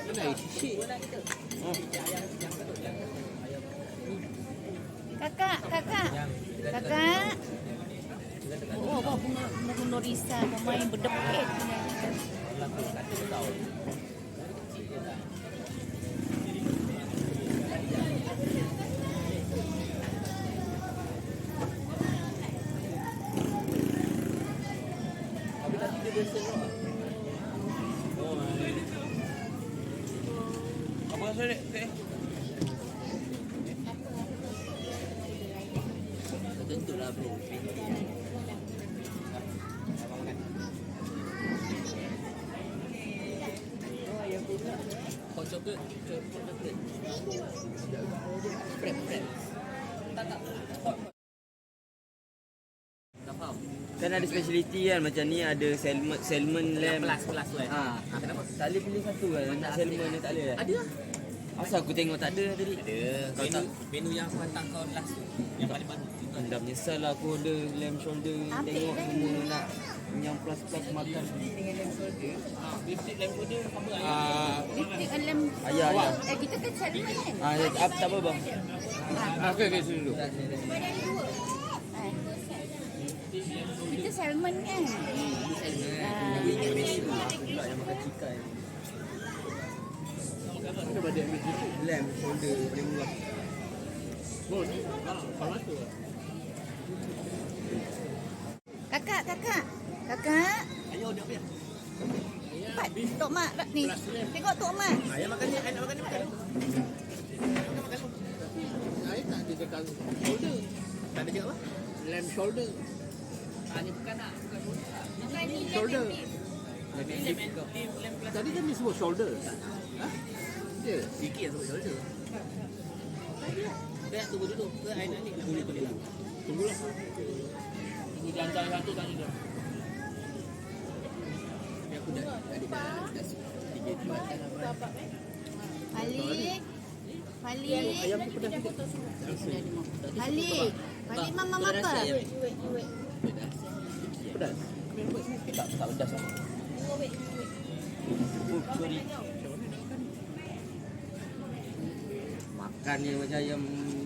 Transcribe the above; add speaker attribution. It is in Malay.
Speaker 1: Kakak. Oh, bunga risal pemain berdepit.
Speaker 2: Apa rasa dek? Tentulah bro. Hot chocolate. Frap. Tak. Hot. Tak faham.
Speaker 3: Kan ada speciality kan, macam ni ada salmon lamb.
Speaker 2: Plus tu kan. Kenapa?
Speaker 3: Tak boleh pilih satu kan. Nak salmon ni tak boleh kan?
Speaker 2: Ada lah.
Speaker 3: Asal aku tengok tak ada tadi.
Speaker 2: Ada. Menu yang aku hantar kau last tu. Yang paling baru.
Speaker 3: Dah menyesal lah aku order lamb shoulder. Tengok semua nak yang plus makan.
Speaker 2: Beef stick lamb shoulder apa
Speaker 1: Beef lamb.
Speaker 3: Ayah.
Speaker 1: Kita kan salmon kan?
Speaker 3: Tak apa bang.
Speaker 2: Okey sini dulu.
Speaker 1: Kita salmon kan?
Speaker 3: Aku ingat Malaysia. Aku pula yang makan chicken.
Speaker 2: Kenapa dia ambil gitu?
Speaker 3: Lamb shoulder paling murah.
Speaker 2: Oh, kalau tu.
Speaker 1: Kakak.
Speaker 2: Ayo dia apa?
Speaker 1: Cepat. Tok Mak ni. Tengok Tok Mak.
Speaker 2: Ayah makan ni, ayah makan ni. Makan. Ayah tak ada cakap shoulder. Tak ada cakap apa? Lamb shoulder. Ini bukan nak, bukan shoulder. Tadi kan dia sebut shoulder. Ha? Dia sikit yang sebut shoulder. Dia tunggu dulu. Ke ayah nak ni tunggu. Tunggulah. Tunggu dia hantar satu tadi dah. Aku dah
Speaker 1: Balik.
Speaker 2: ayam tu pedas sikit.
Speaker 1: Balik mama apa?
Speaker 2: Pedas. Tak pedas lah.
Speaker 3: Sorry. Makan ni macam ayam